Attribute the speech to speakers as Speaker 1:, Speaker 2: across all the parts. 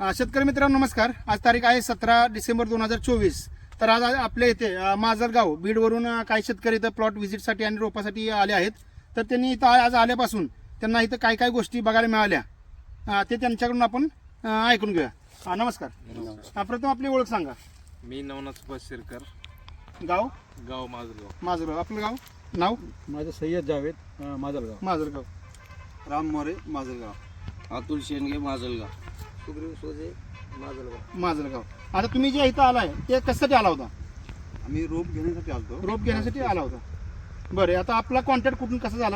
Speaker 1: शेतकरी मित्रांनो नमस्कार. आज तारीख आहे 17 डिसेंबर 2024. तर आज आपल्या इथे माजलगाव बीडवरून काही शेतकरी इथं प्लॉट व्हिजिटसाठी आणि रोपासाठी आले आहेत. तर त्यांनी इथं आज आल्यापासून त्यांना इथं काय काय गोष्टी बघायला मिळाल्या ते त्यांच्याकडून आपण ऐकून घेऊया. नमस्कार. प्रथम आपली ओळख सांगा.
Speaker 2: मी नवनाथ सुभाष शिरकर,
Speaker 1: गाव
Speaker 2: माजलगाव.
Speaker 1: आपलं गाव नाव?
Speaker 3: माझं सय्यद जावेद, माजलगाव.
Speaker 4: राम मोरे, माजलगाव. अतुल शेंडगे, माजलगाव.
Speaker 3: सुग्रीव सोजे,
Speaker 1: माजलगाव. आता तुम्ही जे इथं आलाय ते कशासाठी आला होता?
Speaker 4: आम्ही रोप घेण्यासाठी आलतो.
Speaker 1: रोप घेण्यासाठी आला होता. बरं, आता आपला कॉन्टॅक्ट कुठून कसा झाला?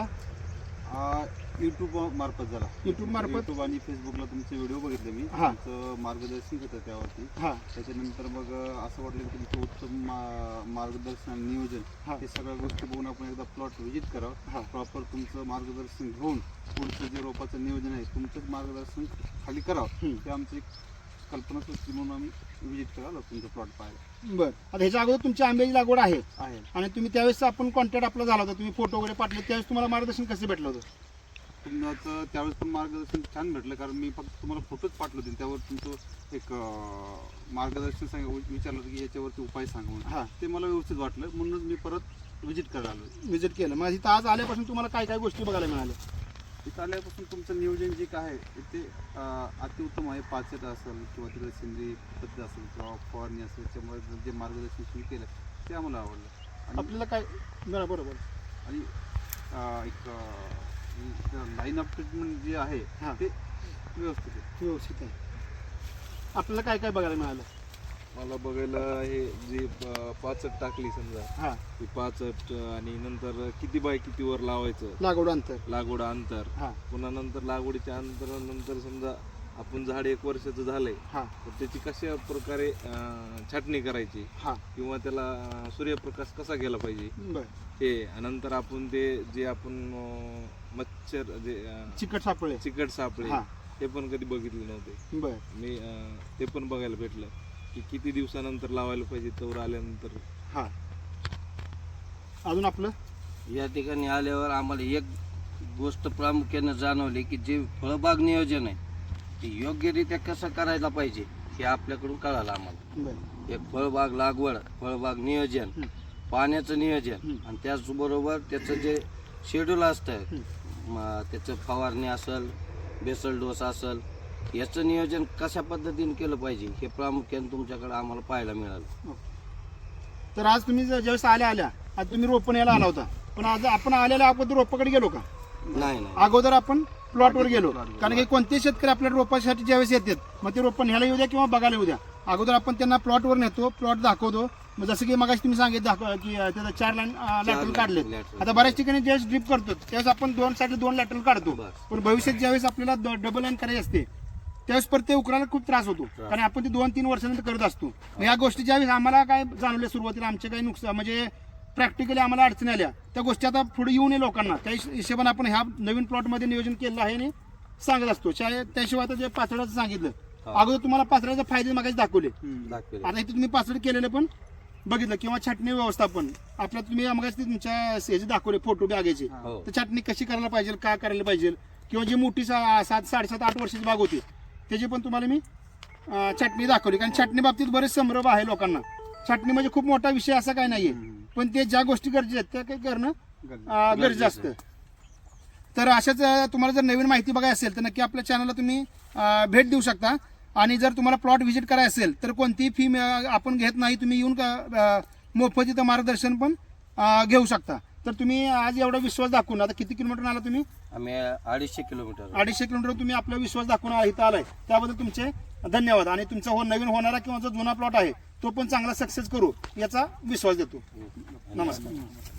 Speaker 4: युट्यूब मार्फत झाला.
Speaker 1: युट्यूब
Speaker 4: आणि फेसबुकला तुमचे व्हिडिओ बघितले मी.
Speaker 1: हा.
Speaker 4: तुमचं मार्गदर्शन होतं त्यावरती.
Speaker 1: हा.
Speaker 4: त्याच्यानंतर मग असं वाटलं की तुमचं उत्तम मार्गदर्शन आणि नियोजन
Speaker 1: हा.
Speaker 4: हे सगळ्या गोष्टी बघून आपण एकदा प्लॉट व्हिजिट
Speaker 1: हा.
Speaker 4: करावं. प्रॉपर तुमचं मार्गदर्शन घेऊन पुढचं जे रोपाचं नियोजन आहे तुमचंच मार्गदर्शन खाली करावं. ते आमची कल्पना सुचली म्हणून आम्ही व्हिजिट करावं तुमचं प्लॉट पाहायला.
Speaker 1: बरं, आता ह्याच्या अगोदर तुमची आंब्याची लागवड आहे
Speaker 4: आहे.
Speaker 1: आणि तुम्ही त्यावेळेस आपण कॉन्टॅक्ट आपला झाला होता, तुम्ही फोटो वगैरे पाठवले, त्यावेळेस तुम्हाला मार्गदर्शन कसं भेटलं होतं?
Speaker 4: तुमचं त्यावेळेस पण मार्गदर्शन छान भेटलं, कारण मी फक्त तुम्हाला फोटोच पाठवले होते. त्यावर तुमचं एक मार्गदर्शन विचारलं होतं की याच्यावरती उपाय सांगा म्हणून.
Speaker 1: हां,
Speaker 4: ते मला व्यवस्थित वाटलं म्हणूनच मी परत व्हिजिट करायला आलो.
Speaker 1: व्हिजिट केलं. मग इथं आज आल्यापासून तुम्हाला काय काय गोष्टी बघायला मिळाल्या?
Speaker 4: इथं आल्यापासून तुमचं नियोजन जे काय आहे ते अतिउत्तम आहे. पाचट असेल किंवा तिकडे सेंद्रिय पद्धत असेल किंवा फवारणी असेल, त्याच्यामुळे जे मार्गदर्शन तुम्ही केलं ते आम्हाला आवडलं. आणि
Speaker 1: आपल्याला काय बरोबर
Speaker 4: आणि एक लाईन ऑफ ट्रीटमेंट जे आहे
Speaker 1: हां.
Speaker 4: ते व्यवस्थित आहे.
Speaker 1: आपल्याला काय काय बघायला मिळालं?
Speaker 2: मला बघायला हे जे पाचट टाकली समजा,
Speaker 1: हां,
Speaker 2: ती पाचट आणि नंतर किती बाय किती वर लावायचं,
Speaker 1: लागवड अंतर.
Speaker 2: लागवड अंतर,
Speaker 1: हां,
Speaker 2: पुन्हा नंतर लागवडीच्या अंतरानंतर समजा आपण झाड 1 वर्षाचं झालंय
Speaker 1: हां,
Speaker 2: तर त्याची कशा प्रकारे छाटणी करायची
Speaker 1: हां.
Speaker 2: किंवा त्याला सूर्यप्रकाश कसा गेला पाहिजे
Speaker 1: बरं,
Speaker 2: हे. नंतर आपण ते जे आपण मच्छर जे
Speaker 1: चिकट सापळे.
Speaker 2: चिकट सापळे
Speaker 1: हां.
Speaker 2: ते पण कधी बघितले नव्हते
Speaker 1: बरं,
Speaker 2: मी. ते पण बघायला भेटलं की किती दिवसानंतर लावायला पाहिजे, तवर आल्यानंतर.
Speaker 1: हां. अजून आपलं
Speaker 5: या ठिकाणी आल्यावर आम्हाला एक गोष्ट प्रामुख्याने जाणवली की जे फळबाग नियोजन आहे ते योग्यरित्या कसं करायला पाहिजे हे आपल्याकडून कळालं आम्हाला.
Speaker 1: बरं,
Speaker 5: एक फळबाग लागवड, फळबाग नियोजन, पाण्याचं नियोजन आणि त्याचबरोबर त्याचं जे शेड्यूल असतं, त्याचं फवारणी असेल, बेसल डोस असेल, याचं नियोजन कशा पद्धतीने केलं पाहिजे हे प्रामुख्याने तुमच्याकडे आम्हाला पाहायला मिळालं.
Speaker 1: तर आज तुम्ही ज्यावेळेस आल्या आज तुम्ही रोपण यायला आला होता, पण आज आपण आलेल्या अगोदर रोपाकडे गेलो का?
Speaker 5: नाही नाही
Speaker 1: अगोदर आपण प्लॉटवर गेलो. कारण की कोणते शेतकरी आपल्या रोपासाठी ज्यावेळेस येतात मग ते रोपण ह्याला येऊ द्या किंवा बघायला येऊ द्या, अगोदर आपण त्यांना प्लॉटवर नेतो, प्लॉट दाखवतो. मग जसं की मगाशी तुम्ही सांगितलं की त्याचा 4 लॅटरल काढलेत. आता बऱ्याच ठिकाणी ज्यावेळेस ड्रिप करतो त्यावेळेस आपण 2 साईडला 2 लॅटरल काढतो, पण भविष्यात ज्यावेळेस आपल्याला डबल लाईन करायची असते त्यावेळेस परत ते उकरायला खूप त्रास होतो, कारण आपण ते 2-3 वर्षानंतर करत असतो. या गोष्टी ज्यावेळेस आम्हाला काय जाणवल्या सुरुवातीला, आमचे काही नुकसान म्हणजे प्रॅक्टिकली आम्हाला अडचणी आल्या, त्या गोष्टी आता पुढे येऊ नये लोकांना, त्या हिशोबाने आपण ह्या नवीन प्लॉटमध्ये नियोजन केलेलं आहे आणि सांगत असतो. त्याशिवाय आता जे पाचडाचं सांगितलं, अगोदर तुम्हाला पाचडाचे फायदे मागायचे दाखवले. आता इथे तुम्ही पाचड केलेलं पण बघितलं, किंवा छाटणी व्यवस्थापन आपल्या तुम्ही मगाशी तुमच्या ह्याचे दाखवले फोटो बॅगेचे, तर छाटणी कशी करायला पाहिजे, काय करायला पाहिजे, किंवा जी मोठी 7-7.5 वर्षाची बाग होती त्याची पण तुम्हाला मी छाटणी दाखवली. कारण छाटणी बाबतीत बरेच संभ्रम आहे लोकांना. छाटणी म्हणजे खूप मोठा विषय असा काय नाहीये, पण ते ज्या गोष्टी गरजेच्या आहेत त्या काही करणं गरजेचं असतं. तर अशाच तुम्हाला जर नवीन माहिती बघायची असेल तर नक्की आपल्या चॅनलला तुम्ही भेट देऊ शकता. आणि जर तुम्हाला प्लॉट व्हिजिट करायचं असेल तर कोणतीही फी आपण घेत नाही, तुम्ही येऊन मोफत इथं मार्गदर्शन पण घेऊ शकता. तर तुम्ही आज एवढा विश्वास दाखवून, आता किती किलोमीटर आला तुम्ही?
Speaker 5: आम्ही 250 किलोमीटर
Speaker 1: 250 किलोमीटर तुम्ही आपला विश्वास दाखवून इथं आलाय, त्याबद्दल तुमचे धन्यवाद. आणि तुमचा नवीन होणारा किंवा जो जुना प्लॉट आहे तो पण चांगला सक्सेस करू याचा विश्वास देतो. नमस्कार.